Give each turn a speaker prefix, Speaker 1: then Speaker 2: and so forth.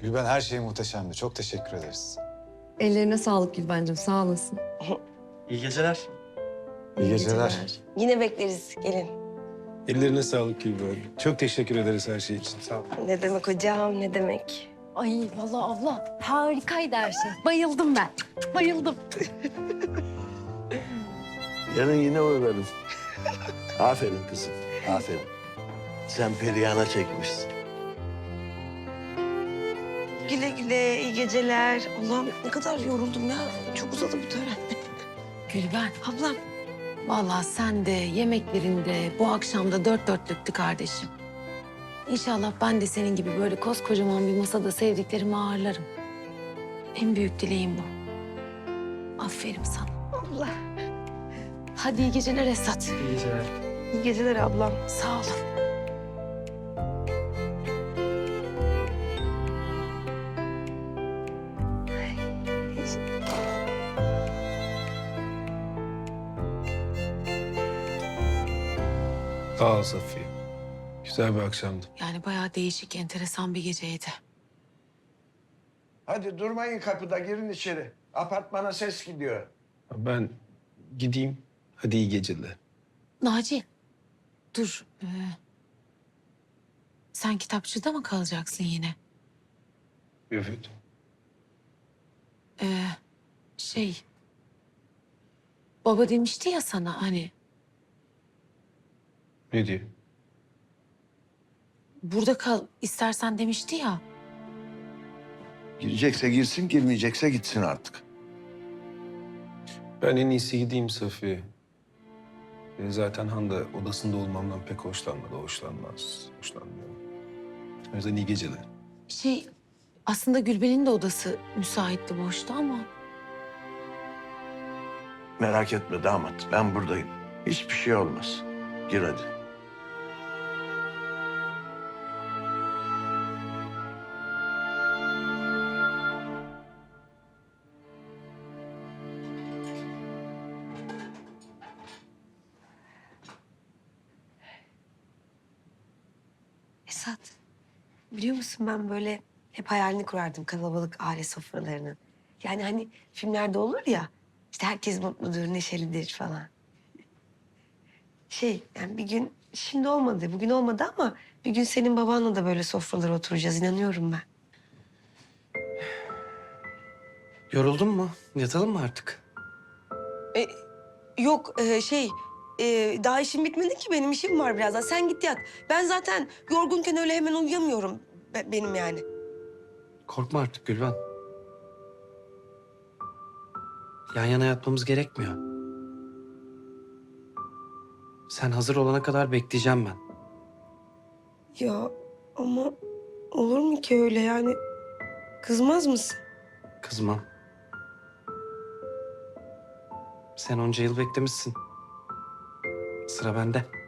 Speaker 1: Gülben her şey muhteşemdi. Çok teşekkür ederiz.
Speaker 2: Ellerine sağlık Gülbencim, sağ olasın.
Speaker 3: İyi geceler.
Speaker 1: İyi geceler.
Speaker 4: Yine bekleriz, gelin.
Speaker 5: Ellerine sağlık Gülben. Çok teşekkür ederiz her şey için. Sağ ol.
Speaker 4: Ne demek hocam, ne demek?
Speaker 2: Ay vallahi abla harikaydı her şey. Bayıldım ben. Bayıldım.
Speaker 6: Yarın yine uğrarım. Aferin kızım, aferin. Sen Perihan'a çekmişsin.
Speaker 4: Güle güle, iyi geceler. Allah'ım ne kadar yoruldum ya. Çok uzadı bu tören.
Speaker 2: Gülben,
Speaker 4: Ablam,
Speaker 2: vallahi sen de yemeklerinde bu akşam da dört dörtlüktü kardeşim. İnşallah ben de senin gibi böyle koskocaman bir masada sevdiklerimi ağırlarım. En büyük dileğim bu. Aferin sana.
Speaker 4: abla.
Speaker 2: Hadi iyi geceler Esat.
Speaker 3: İyi geceler.
Speaker 4: İyi geceler ablam.
Speaker 2: Sağ olun.
Speaker 5: Sağ ol Safiye. Güzel bir akşamdı.
Speaker 2: Yani bayağı değişik, enteresan bir geceydi.
Speaker 6: Hadi durmayın kapıda, girin içeri. Apartmana ses gidiyor.
Speaker 5: Ben gideyim. Hadi iyi geceler.
Speaker 2: Naci, dur. Sen kitapçıda mı kalacaksın yine?
Speaker 5: Evet.
Speaker 2: Şey... Baba demişti ya sana hani...
Speaker 5: Ne diyor?
Speaker 2: Burada kal istersen demişti ya.
Speaker 6: Girecekse girsin, girmeyecekse gitsin artık.
Speaker 5: Ben en iyisi gideyim Safiye. Zaten Hande odasında olmamdan pek hoşlanmadı. Hoşlanmıyor. O yüzden iyi geceler.
Speaker 2: Şey, aslında Gülben'in de odası müsaitti, boştu ama...
Speaker 6: Merak etme damat, ben buradayım. Hiçbir şey olmaz. Gir hadi.
Speaker 4: Esat, biliyor musun ben böyle hep hayalini kurardım kalabalık aile sofralarının. Yani hani filmlerde olur ya, işte herkes mutludur, neşelidir falan. Yani bir gün, şimdi olmadı, bugün olmadı ama bir gün senin babanla da böyle sofralara oturacağız, inanıyorum ben.
Speaker 3: Yoruldun mu? Yatalım mı artık?
Speaker 4: Yok, daha işim bitmedi ki benim işim var birazdan. Sen git yat. Ben zaten yorgunken öyle hemen uyuyamıyorum benim yani.
Speaker 3: Korkma artık Gülben. Yan yana yatmamız gerekmiyor. Sen hazır olana kadar bekleyeceğim ben.
Speaker 4: Ya ama olur mu ki öyle yani? Kızmaz mısın?
Speaker 3: Kızmam. Sen onca yıl beklemişsin. Sıra bende.